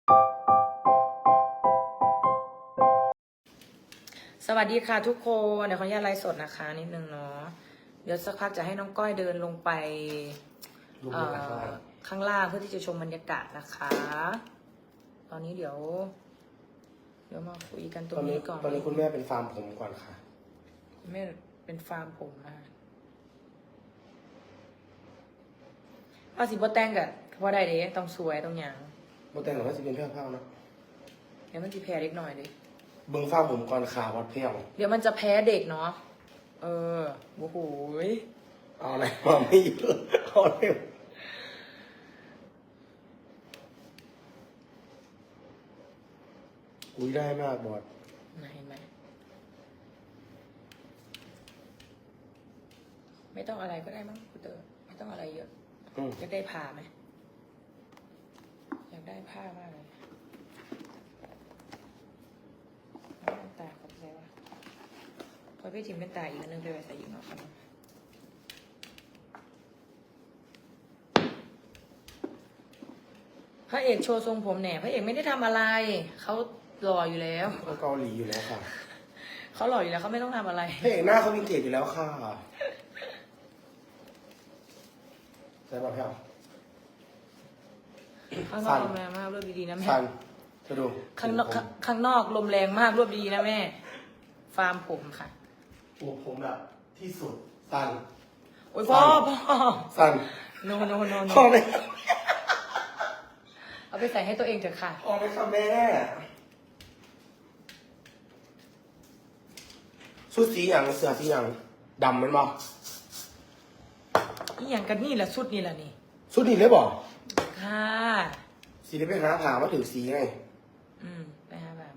สวัสดีค่ะทุกคนเดี๋ยวขออนุญาตไลฟ์สดนะคะนิดนึงเนาะเดี๋ยวสักพักจะให้น้องก้อยเดินลงไปข้างล่างเพื่อที่จะชมบรรยากาศนะคะ ตอนนี้เดี๋ยวมาคุยกันตรงนี้ก่อนตอนนี้คุณแม่เป็นฟาร์มผมก่อนค่ะคุณแม่เป็นฟาร์มผมนะเอาสิบ่แต่งกันว่าได้เด้ต้องสวยต้องหยังโมแต่งหรือว่าจะเป็นเพื่อนเผ่านะเดี๋ยวมันจะแพ้เล็กหน่อยดิเบิ้งฟาร์มผมก่อนค่ะวัดเพียงเดี๋ยวมันจะแพ้เด็กเนาะโอ้โหเอาอะไรมาไม่เยอะเอาเร็วอุ้ยได้มากบอดเห็นไหมไม่ต้องอะไรก็ได้มั้งคุณเตอร์ไม่ต้องอะไรเยอะอยากได้ผ้าไหมอยากได้ผ้ามากเลยเป็นตาขอบใจว่าพอพี่ทิมเป็นตาอีกอันนึงไปไว้ใส่อีกเนาะพระเอกโชว์ทรงผมเนี่ยพระเอกไม่ได้ทำอะไรเขาหล่ออยู่แล้วเขาเกาหลีอยู่แล้วค่ะเขาหล่ออยู่แล้วเขาไม่ต้องทำอะไรพระเอกหน้าเขาวินเทจอยู่แล้วค่ะใช่ป่ะพี่ข้างนอกลมแรงมากรวบดีๆนะแม่ซันจะดูข้างนอกลมแรงมากรวบดีๆนะแม่ ฟาร์มผมค่ะผมแบบที่สุดซันโอ้ยพ่อซันโนพ่อเลยเอาไปใส่ให้ตัวเองเถอะค่ะพ่อเลยค่ะแม่ชุดสีอย่างเสื้อสีอย่างดำมันบอกนี่อย่างกันนี่แหละสุดนี่แหละนี่ชุดนี้เลยบอกค่ะสีนี้ไปหาผ่ามาถึงสีไงไปหาแบบมา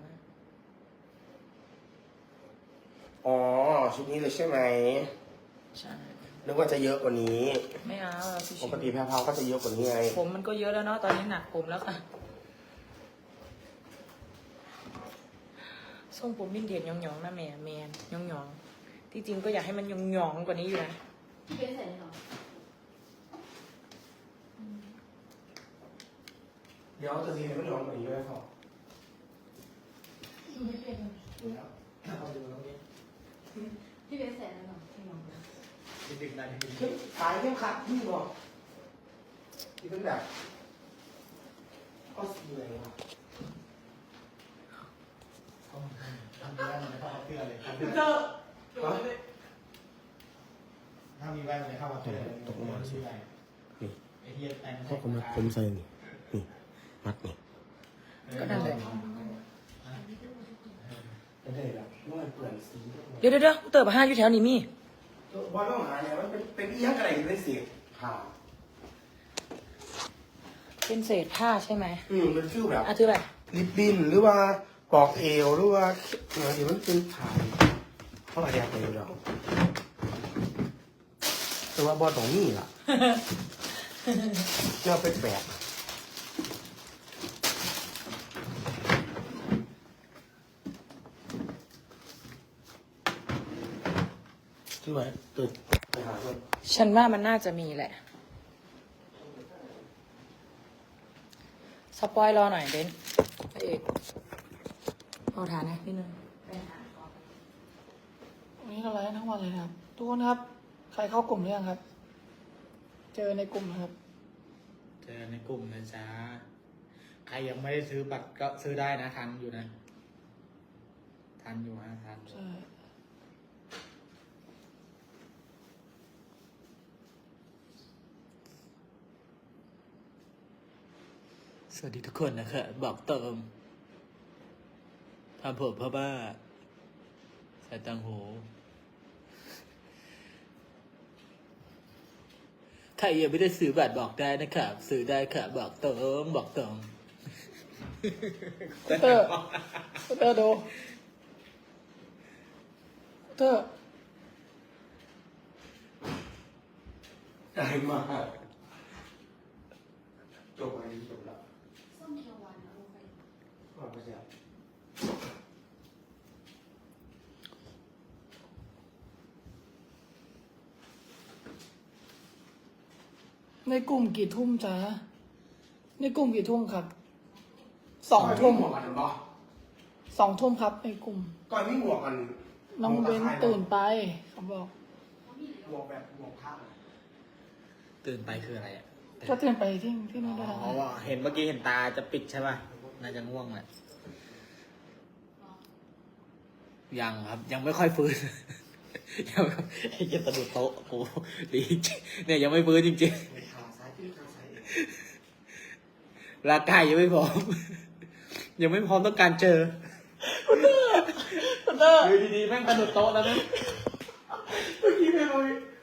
อ๋อชุดนี้เลยใช่ไหมใช่นึกว่าจะเยอะกว่านี้ไม่เอาเราชิปกวติแพรวๆก็จะเยอะกว่านี้ไงๆผมมันก็เยอะแล้วเนาะตอนนี้หนักผมแล้วค่ะทรงผมมินเดียนยองๆนะแม่แมนยองๆที่จริงก็อยากให้มันยองๆกว่านี้อยู่นะพี่เป็นใส่เลยเหรอเดี๋ยวจะสีให้มันร้อนกว่านี้ด้วยครับไม่เป็นเลยดูแล้วเอาดูตรงนี้พี่เป็นใส่เลยเหรอไม่ลองดูดึกๆหน่อยดึกๆสายเข้มขัดนี่บอกที่เป็นแบบก็สีอะไรวะทำมีแว่นมันจะเข้ากับเสื้อเลยฮะถ้ามีแว่นมันจะเข้ากับเสื้อเลยตกลงมาสิ นี่ไอ้เหี้ยแต่งพ่อผมผมใส่นี่นี่มัดนี่ก็นั่นแหละไม่ได้แบบเมื่อเปลี่ยนสีเดี๋ยวเติบห้าอยู่แถวนี้มีบอลต้องหาเนี่ยมันเป็นอีหยังอะไรอยู่ในสีขาวเป็นเศษผ้าใช่ไหมเป็นฟิลแบบถือไปลิปบิ้นหรือว่าปอกเอวหรือว่าเดี๋ยวมันเป็นขาวเขาอะไรไปอยู่แล้วแต่ว่าบอลตรงนี้ล่ะจะเป็นแบบที่ไหนตื่นไปหาคนฉันว่ามันน่าจะมีแหละ สปอยรอหน่อยเบนพระเอกเอาฐานนะนิดนึงวันนี้เราไลฟ์ทั้งวันเลยนะครับ ทุกคนครับ ใครเข้ากลุ่มหรือยังครับ เจอในกลุ่มนะครับเจอในกลุ่มนะจ๊ะใครยังไม่ได้ซื้อบัตรก็ซื้อได้นะทันอยู่นะทันอยู่ฮะทันใช่สวัสดีทุกคนนะคะบอกเติมทำผมเพราะว่าใส่ตังหูใครยังไม่ได้ซื้อบัตรบอกได้นะครับซื้อได้ค่ะบอกเติมบอกเติมเตอร์เตอร์ดูเตอร์ได้มากจบอะไรจบแล้วส้มเขียวหวานเอาไปว่าไปแล้วในกลุ่มกี่ทุ่มจ๊ะในกลุ่มกี่ทุ่มครับ 2 ทุ่มหมวกกันบ่ 2 ทุ่มครับในกลุ่มก่อนมีหมวกกันน้องเว้นตื่นไปเขาบอกหมวกแบบหมวกผ้าตื่นไปคืออะไรอ่ะก็ตื่นไปที่นู่นได้แล้วอ๋อเห็นเมื่อกี้เห็นตาจะปิดใช่ป่ะ น่าจะง่วงแหละ ยังครับ ยังไม่ค่อยฟื้น ยังไอ้เหี้ยสะดุดโต๊ะโอ้โหดีจริงเนี่ยยังไม่ฟื้นจริงไปทางซ้ายขึ้นทางซ้ายเองๆร่างกายยังไม่พร้อม ยังไม่พร้อมต้องการเจอคุณเตอร์อยู่ดีๆแม่งสะดุดโต๊ะแล้วนะเมื่อกี้ไม่เลย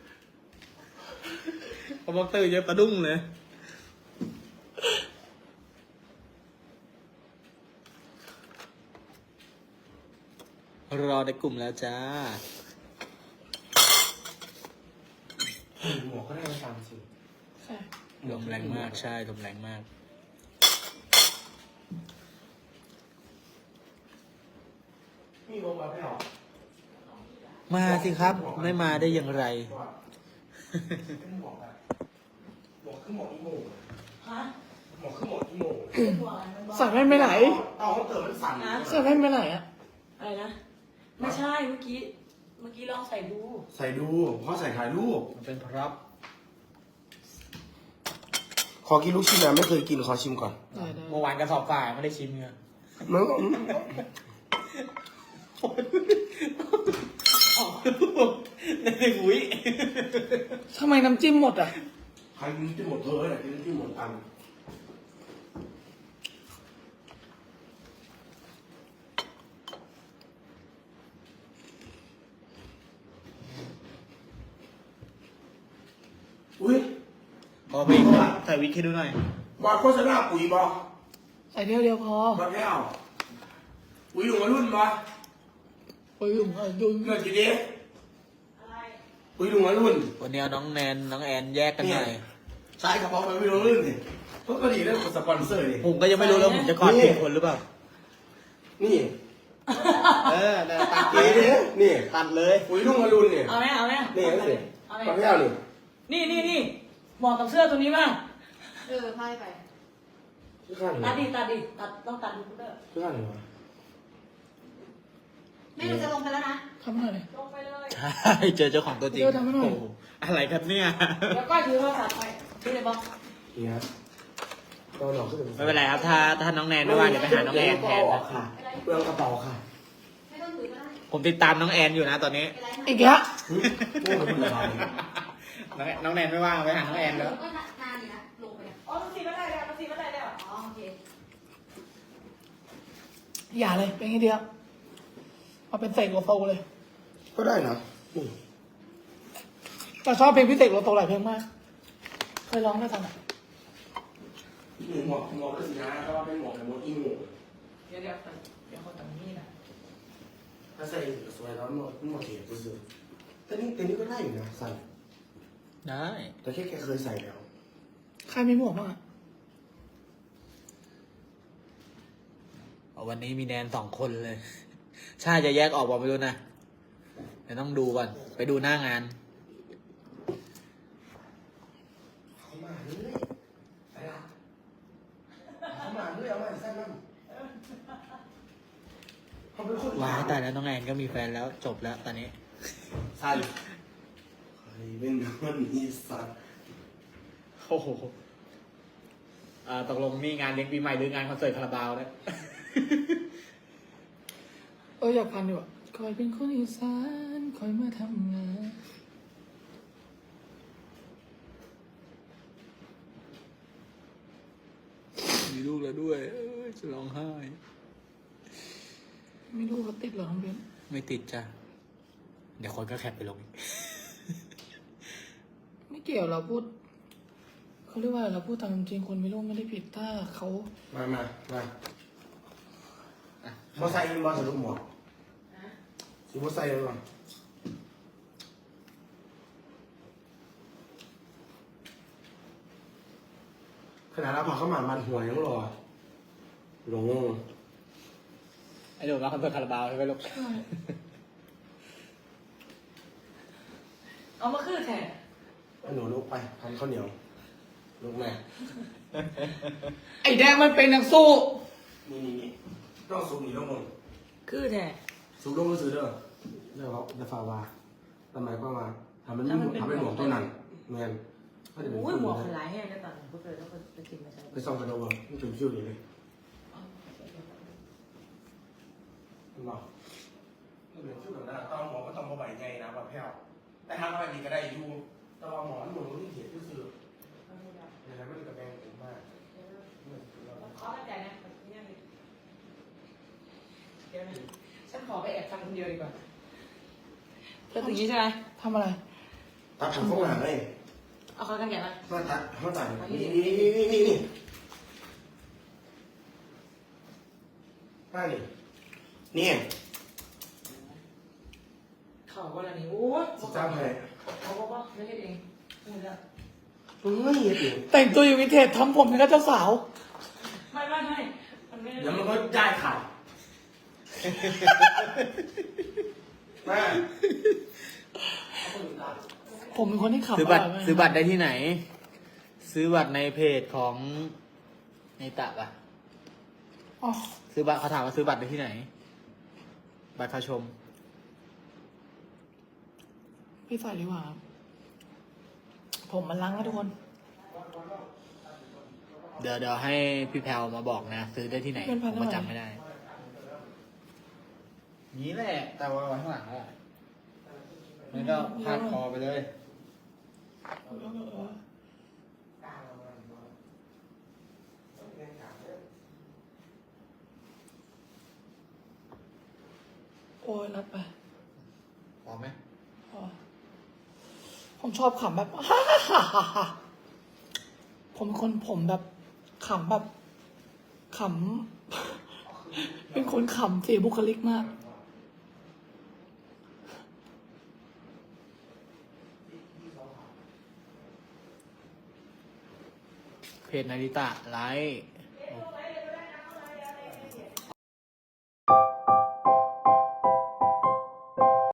พอบอกตื่นยังสะดุ้งเลย รอในกลุ่มแล้วจ้าหมวกก็ได้มา3 สิ่งใช่ลมแรงมากใช่ลมแรงมากมีหมวกแบบไม่ออกมาสิครับ ไม่มาได้อย่างไรเป็นหมวกแบบหมวกขึ้นหมวกอีโม่ฮะหมวกขึ้นหมวกอีโม่หัวอะไรมันบอกใส่แว่นไปไหนเอาเขาเติมมันสั่นใส่แว่นไปไหนอะอะไรนะ ไม่ใช่เมื่อกี้ลองใส่ดูใส่ดูเพราะใส่ถ่ายรูปมันเป็นพร็อพขอกินลูกชิ้นนะไม่เคยกินขอชิมก่อนได้ได้เมื่อวานกระสอบฝ่ายไม่ได้ชิมเงมันในหุยทำไมน้ำจิ้มหมดอ่ะใครกินที่หมดเธอเนี่ยกินที่หมดตัน อุ้ยพอไปใส่วิกให้ดูหน่อยบอลโฆษณาปุ๋ยบอใส่เดียวพอบอลแก้วปุ๋ยหลวงมารุ่นบอไปยุ่งยุ่งเงินกี่เด้อะไรปุ๋ยหลวงมารุ่นวันนี้เอาน้องแนนน้องแอนแยกกันหน่อยใช้กระเป๋าไปปุ๋ยหลวงมารุ่นสิก็ดีแล้วสปอนเซอร์ดิผมก็ยังไม่รู้แล้วผมจะกอดผิดคนหรือเปล่านี่ตัดเลนี่ยนี่ตัดเลยปุ๋ยหลวงมารุ่นเนี่ยเอาไหมเอาไหมนี่นั่นสิเอาไหมบอลแก้วนี่นี่เหมาะกับเสื้อตัวนี้มากพายไปชื่อข้างไหนตัดดิต้องตัดดูพุดเดอร์ชื่อข้างไหนวะไม่รู้จะลงไปแล้วนะทำหน่อยเลยลงไปเลยใช่เจอเจ้าของตัวจริงเดี๋ยวทำให้หน่อยโโอะไรครับเนี่ยแล้วก็ถือโทรศัพท์ไปถือเลยบอกนี่ครับก็หลอกขึ้นไม่เป็นไรครับ ถ้าน้องแนนไม่ว่างเดี๋ยวไปหาน้องแอนแทนนะค่ะเปลืองกระเป๋าค่ะไม่ต้องถือก็ได้ผมติดตามน้องแอนอยู่นะตอนนี้ไปไลฟ์อีกแล้วโอ้ยมันอะไรน้องแนนไม่ว่างไปหาน้องแอนแล้วก็นานอยู่นะลงไปอ่ะอ๋อมันสีไม่ได้แล้วมันสีไม่ได้แล้วอ๋อโอเคอย่าเลยเป็นแค่เดียวเอาเป็นเสกโลโซเลยก็ได้นะนี่แต่ชอบเพลงพิเศษโลโซหลายเพลงมาก เคยร้องได้ฟังอ่ะหมวกก็สินะเพราะว่าเป็นหมวกแบบหมวกอีโม่เดี๋ยวคนต่างนี่นะถ้าใส่สวยแล้วหมวกเก๋กูซื้อแต่นี่ก็ได้อยู่นะใส่ได้แต่แค่แกเคยใส่แล้วใครมีหมวกบ้างอ่ะวันนี้มีแนน2 คนเลย ชาจะแยกออกบอกไม่รู้นะเดี๋ยวต้องดูก่อน ไปดูหน้างานเขามาเรื่อยไปละเขามาเรื่อยเอามาใส่น้ำเขาเป็นคนว้ายตายแล้วน้องแอนก็มีแฟนแล้วจบแล้วตอนนี้ใส่ใครเป็นคนอีสานโอ้โหตกลงนี่งานเลี้ยงปีใหม่หรืองานคอนเสิร์ตคาราบาวเนี่ยอยากฟังดีว่ะคอยเป็นคนอีสานคอยมาทำงานมีลูกแล้วด้วยจะร้องไห้ไม่รู้เขาติดเหรอน้องเบนไม่ติดจ้ะ เดี๋ยวคนก็แคปไปลงอีกไม่เกี่ยวเราพูดเขาเรียกว่าเราพูดตามจริงคนไม่รู้ไม่ได้ผิดถ้าเขามาเขาใส่เป็นบอลสรุปหมวกสิบใส่เลยมั้งขนาดเราพอเข้ามามันหัวยังรอหลงไอ้หนูมาคอนเสิร์ตคาราบาวใช่ไหมลูกใช่เอามาคือแทนให้หนูลุกไปทำข้าวเหนียวลุกแม่ไอ้แดงมันเป็นนักสู้นี่ต้องสูงหนีลงบนคือแท้สูงลงมือถือเด้อเด้อเขาจะฟาวาทำไมก็มาทำเป็นหมวกตัวนั้นเงินก็จะเป็นอุ้ยคนหมวกเลยหลายแห้งได้ตอนพวกเธอต้องไปกินมาใช้ไปส่องกันดูว่ามันถึงชื่อนี้เลยบอกมันเป็นชื่อแบบนั้นต้องหมอก็ต้องมาใบไงนะว่าแพ้วแต่ทำอะไรดีก็ได้อยู่แต่ว่าหมอหนูที่เขียนที่สื่ออย่างนั้นมันจะแบ่งผมมากขอเข้าใจนะเดี๋ยวนะฉันขอไปแอบฟังคนเดียวดีกว่าเธอถึงนี้ใช่ไหมทำอะไรตัดผมเข้ามาเลยเอาเขากันแกะมามาตัดนี่มานี่เขาว่าอะไรนี่โอ้ยสิจ้าเลยเขาบอกว่าไม่ใช่เองพูดแล้วเฮ้ยเดี๋ยวแต่งตัวอยู่วินเทจทำผมเป็นเจ้าสาวไม่มันไม่เดี๋ยวมันก็ได้ขาดมาผมเป็นคนที่ขับซื้อบัตรร่ยมากซื้อบัตรได้ที่ไหน ซื้อบัตรในเพจของในตะปะอ๋อซื้อบัตรเขาถามว่าซื้อบัตรได้ที่ไหน บัตรเข้าชมพี่ใส่ดีกว่าครับผมมันล้างแล้วทุกคนเดี๋ยวให้พี่แพลวมาบอกนะ ซื้อได้ที่ไหนเป็นพัผนมเท่าก็ไหร่จำไม่ได้ นี้แหละ แต่ว่าข้างหลังอะมันก็พาดคอไปเลยโอ้ยรัดไปพอไหมอ๋อผมชอบขำแบบ ผมเป็นคนผมแบบขำแบบขำ เป็นคนขำเสียบุคลิกมากเพจนาริตะไลฟ์